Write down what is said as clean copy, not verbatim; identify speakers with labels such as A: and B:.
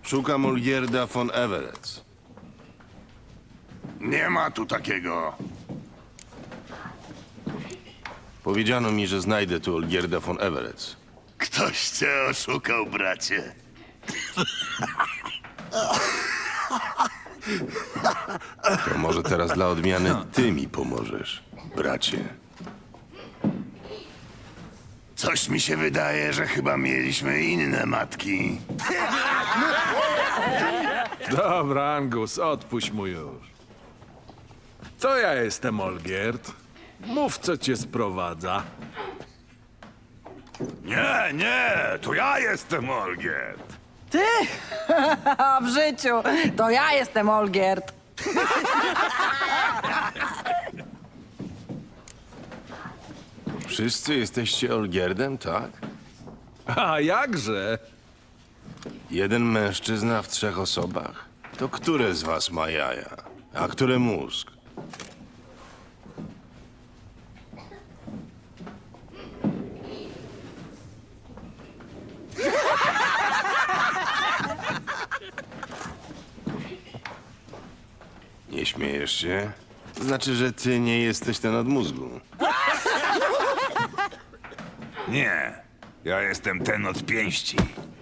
A: Szukam Olgierda von Everett.
B: Nie ma tu takiego.
A: Powiedziano mi, że znajdę tu Olgierda von Everett.
B: Ktoś cię oszukał, bracie.
A: To może teraz dla odmiany ty mi pomożesz, bracie.
B: Coś mi się wydaje, że chyba mieliśmy inne matki.
C: Dobra, Angus, odpuść mu już. To ja jestem Olgierd. Mów, co cię sprowadza.
B: Nie, to ja jestem Olgierd.
D: Ty? A w życiu. To ja jestem Olgierd.
A: Wszyscy jesteście Olgierdem, tak?
C: A jakże?
A: Jeden mężczyzna w 3 osobach? To które z was ma jaja, a które mózg? Nie śmiejesz się? Znaczy, że ty nie jesteś ten od mózgu.
B: Nie, ja jestem ten od pięści.